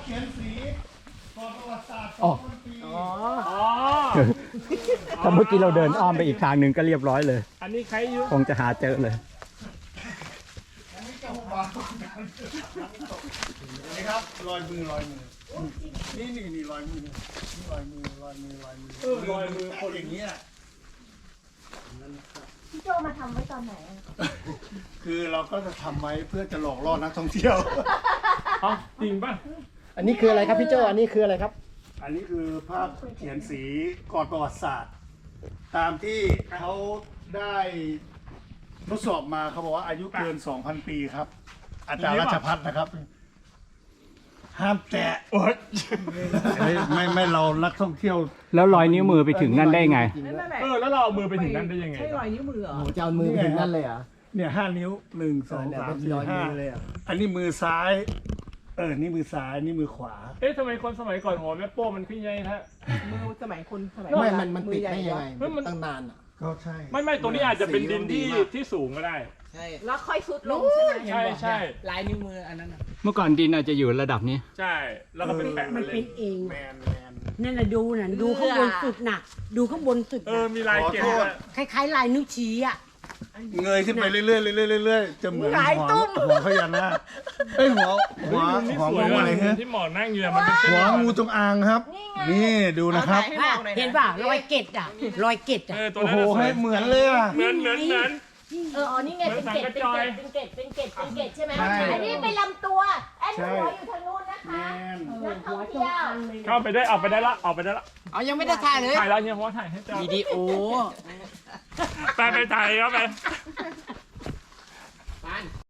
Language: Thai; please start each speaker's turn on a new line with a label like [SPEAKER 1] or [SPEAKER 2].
[SPEAKER 1] เขียนสีก่อนประวัติศาสตร์
[SPEAKER 2] อ๋อ
[SPEAKER 1] 2,000 ปี
[SPEAKER 3] อ๋อ
[SPEAKER 2] ถ้าเมื่อกี้เราเดินอ้อมไปอีกทางหนึ่งก็เรียบร้อยเลย
[SPEAKER 3] อันนี้ใครอยู่
[SPEAKER 2] คงจะหาเจอเลย
[SPEAKER 1] อันนี้ก็บางนี่ครับรอยมือนี่รอยมือนี่รอยมือ
[SPEAKER 3] รอยมือคน
[SPEAKER 1] อย่างเงี้ย
[SPEAKER 4] พี่โจมาทำไว้ตอนไหนอะ
[SPEAKER 1] คือเราก็จะทำไว้เพื่อจะหลอกล่อนักท่องเที่ยว
[SPEAKER 3] อ๋อจริงป่ะ
[SPEAKER 2] อันนี้คืออะไรครับพี่โจอันนี้คืออะไรครับ
[SPEAKER 1] อันนี้คือภาพเขียนสีก่อนประวัติศาสตร์ ตามที่เขาได้ทดสอบมาเขาบอกว่าอายุเกิน 2,000 ปีครับ อาจารย์รัชพัฒน์นะครับ ห้ามแตะไม่เรานักท่องเที่ยว
[SPEAKER 2] แล้วรอยนิ้วมือไปถึงนั่นได้ไง
[SPEAKER 3] แล้วเราเอามือไปถึงนั้นได้ยังไง
[SPEAKER 5] ใช่รอยนิ้วมือเหรอ
[SPEAKER 2] โอ้จะเอามือไปถึงนั่นเลยเหรอ
[SPEAKER 1] เนี่ย5 นิ้ว 1 2
[SPEAKER 2] เนี่ย
[SPEAKER 1] 3
[SPEAKER 2] เป็น
[SPEAKER 1] 4
[SPEAKER 2] รอยมือเลย
[SPEAKER 1] 5
[SPEAKER 2] อ่ะ
[SPEAKER 1] อันนี้มือซ้าย นี่มือซ้าย นี่มือขวา
[SPEAKER 3] เอ๊ะทำไมคนสมัยก่อนหัวแม่โป้มันขึ้นใหญ่ฮะ
[SPEAKER 5] มือสมัยคนสมัย
[SPEAKER 2] ไม่มันติดได้ยังไง
[SPEAKER 3] เฮ้ยมัน
[SPEAKER 2] ตั้งนานอ่ะ
[SPEAKER 1] ก็ใช่
[SPEAKER 3] ไม่ตรงนี้อาจจะเป็นดินที่สูงก็ได้
[SPEAKER 5] ใช่
[SPEAKER 4] แล้วค่อยซุดลงใช่ไหม
[SPEAKER 3] ใช่
[SPEAKER 5] ลายนิ้วมืออันนั้นน่ะ
[SPEAKER 2] เมื่อก่อนดินอาจจะอยู่ระดับนี้
[SPEAKER 3] ใช่ แล้วก็เป็นแปะ
[SPEAKER 6] มัน
[SPEAKER 3] เล
[SPEAKER 6] เป็
[SPEAKER 3] ย
[SPEAKER 6] นเอง
[SPEAKER 1] แมน
[SPEAKER 6] นั่นน่ะดูน่ะดูข้างบนสุดน่ะ ดูข้างบนสุด
[SPEAKER 3] เออ
[SPEAKER 6] น่ะ
[SPEAKER 3] มีลายเก็บด้วย
[SPEAKER 6] คล้ายๆลายนิ้วชี้อ่ะ
[SPEAKER 1] เงยขึ้นไปเรื่อยๆเรื่อยๆเรื่อยๆจะเหมือน
[SPEAKER 6] หลายตุ้ม
[SPEAKER 1] หัวพญานาคเอ้ยหัว
[SPEAKER 3] นี่
[SPEAKER 1] หัว
[SPEAKER 3] สวย
[SPEAKER 1] งูอะไร
[SPEAKER 3] นะ
[SPEAKER 1] ฮะ
[SPEAKER 3] ที่หมอนั่งอยู่มันเป็นเส้น
[SPEAKER 1] หัวงูจงอางครับ นี่ดูนะครับ
[SPEAKER 6] อ่ะเห็นป่ะรอยเกล็ดอ่ะรอยเกล็ดอ่ะ
[SPEAKER 3] ตัว
[SPEAKER 1] โอ้
[SPEAKER 3] นั้
[SPEAKER 1] โห
[SPEAKER 3] น
[SPEAKER 1] ให้เหมือนเลยอ่ะ
[SPEAKER 3] เหมือน
[SPEAKER 4] อ๋อนี่ไงเป็นเกล็ดเป็นเกล็ดใช่ไหม
[SPEAKER 1] ใช่
[SPEAKER 4] อันนี้เป็นลำตัวอันนี้หัวอยู่ทางนู้นนะคะ
[SPEAKER 1] น
[SPEAKER 4] นักท่อง
[SPEAKER 6] หัวจ
[SPEAKER 4] เที่
[SPEAKER 6] ง
[SPEAKER 4] ยว
[SPEAKER 6] อางเลย
[SPEAKER 3] เข้าไปได้เอาไปได้ละเอาไปได้ละ
[SPEAKER 5] เอายังไม่ได้ถ่ายเลย
[SPEAKER 3] ถ่ายแล้วเนี่ยเพราะว่าถ่ายให้เจ้า
[SPEAKER 5] วิดีโอ
[SPEAKER 3] ไปถ่ายเข้าไป